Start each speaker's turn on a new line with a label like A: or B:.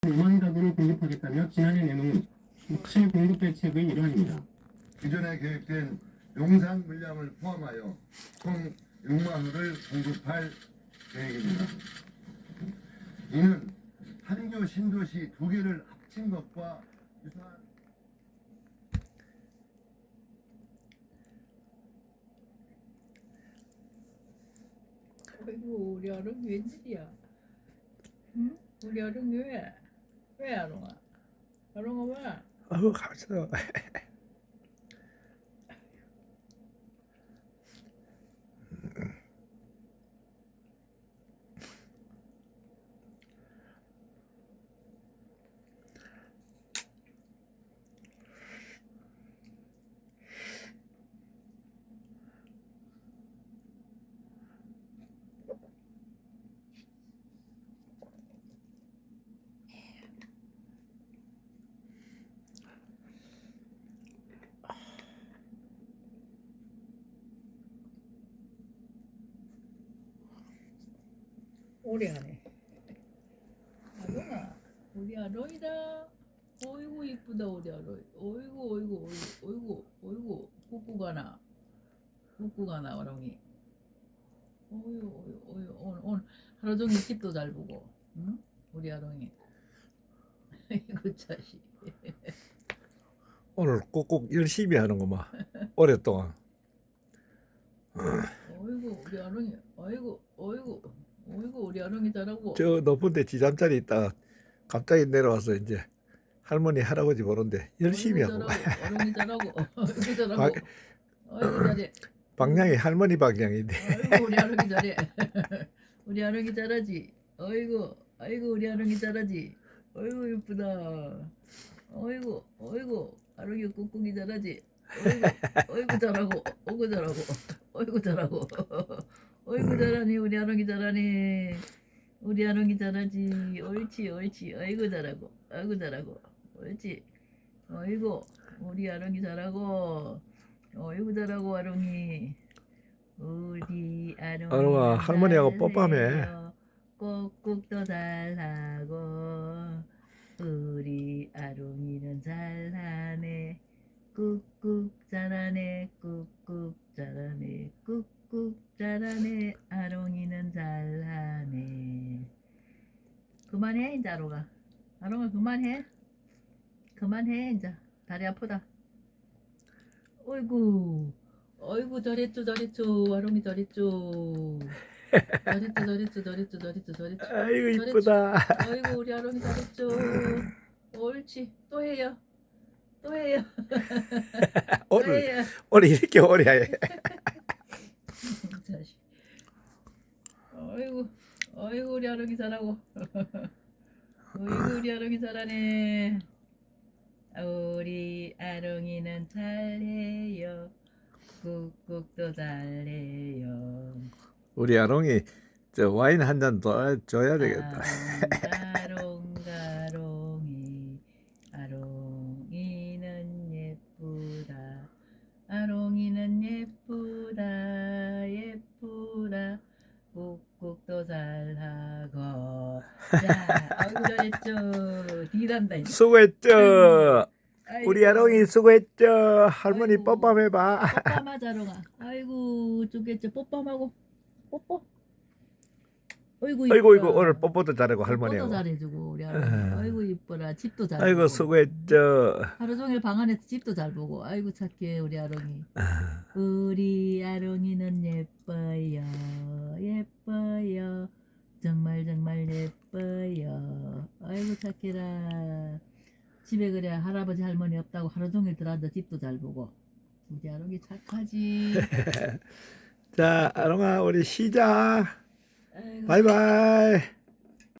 A: 5만 가구를 공급하겠다며 지난해 내놓은 목실 공급 대책의 일환입니다.
B: 기존에 계획된 용산 물량을 포함하여 총 6만 호를 공급할 계획입니다. 이는 한교 신도시 2개를 합친 것과 유사한
C: 아이고 우리 아롱이 웬일이야? 응? 우리 아롱이 왜? 왜 아롱아? 아롱아 왜?
D: 어우 가서
C: 오래 하네. 아롱아, 우리 아롱이다. 어이구 이쁘다 우리 아롱이. 어이구 어이구 어이구 어이구 꾸꾸가 나. 꾸꾸가 나 아롱이. 어이구 어이구 오늘 하루 종일 집도 잘 보고. 응? 우리 아롱이. 이거 자식.
D: 오늘 꼭꼭 열심히 하는구만 오랫동안.
C: 어이구 우리 아롱이. 어이구 어이구 어이구 우리 아롱이 잘하고.
D: 저 높은 데 지잠자리 있다가 갑자기 내려와서 이제 할머니 할아버지 보는데 열심히 하고
C: 어른이 잘하고 어이구 잘하고
D: 방-
C: 어이구 잘해.
D: 방향이 할머니 방향인데
C: 어이구 우리 아롱이 잘해. 우리 아롱이 잘하지. 어이구 아이고 우리 아롱이 잘하지. 어이구 이쁘다. 어이구 어이구 아롱이 꾹꾹이 잘하지. 어이구 어이구 잘하고 어이구 잘하고 어이구 잘하고 어이구 잘하니 우리 아롱이 잘하니. 우리 아롱이 잘하지. 옳지 옳지. 어이구 잘하고 어이구 잘하고 옳지. 어이구 우리 아롱이 잘하고 어이구 잘하고 아롱이. 우리 아롱이
D: 아롱아, 할머니하고 뽀뽀하매.
C: 꼭꼭도 잘하고 우리 아롱이는 잘하네. 꾹꾹 잘하네. 꾹꾹 잘하네. 꾹꾹 잘하네. 아롱이는 잘하네. 그만해 이제 아롱아. 아롱아 그만해. 그만해 이제. 다리 아프다. 어이구 어이구 잘했죠 잘했죠 아롱이 잘했죠. 잘했죠.
D: 아이고 이쁘다.
C: 어이구 우리 아롱이 잘했죠. 옳지. 또 해요. 또 해요. 또
D: 오늘
C: 해요.
D: 오늘 이렇게 오래 해.
C: 자식. 어이구 어이구 우리 아롱이 잘하고. 어이구 우리 아롱이 잘하네. 우리 아롱이는 잘해요. 꾹꾹도 잘해요.
D: 우리 아롱이 저 와인 한 잔 더 줘야 되겠다.
C: 아롱가롱이 아롱이는 예쁘다. 아롱이는 예쁘다. 꾹꾹도 잘하고. 자, 아이고 잘했죠. 뒤단다 이제.
D: 수고했죠.
C: 아이고.
D: 우리 아롱이 수고했죠. 할머니
C: 아이고.
D: 뽀뽀해봐.
C: 뽀뽀하자 아롱아. 아이고 좋겠죠. 뽀뽀하고 뽀뽀. 어이구
D: 아이고
C: 이뻐라.
D: 오늘 뽀뽀도 잘하고
C: 뽀뽀도
D: 할머니하고.
C: 잘해주고 우리 아롱이. 아이고 이뻐라. 집도 잘
D: 아이고
C: 보고.
D: 수고했죠.
C: 하루 종일 방 안에서 집도 잘 보고. 아이고 착해 우리 아롱이. 우리 아롱이는 예뻐요. 정말 예뻐요. 아이고 착해라. 집에 그래 할아버지 할머니 없다고 하루 종일 들어앉아 집도 잘 보고. 우리 아롱이 착하지.
D: 자 아롱아 우리 쉬자.
C: 아이고.
D: 바이바이.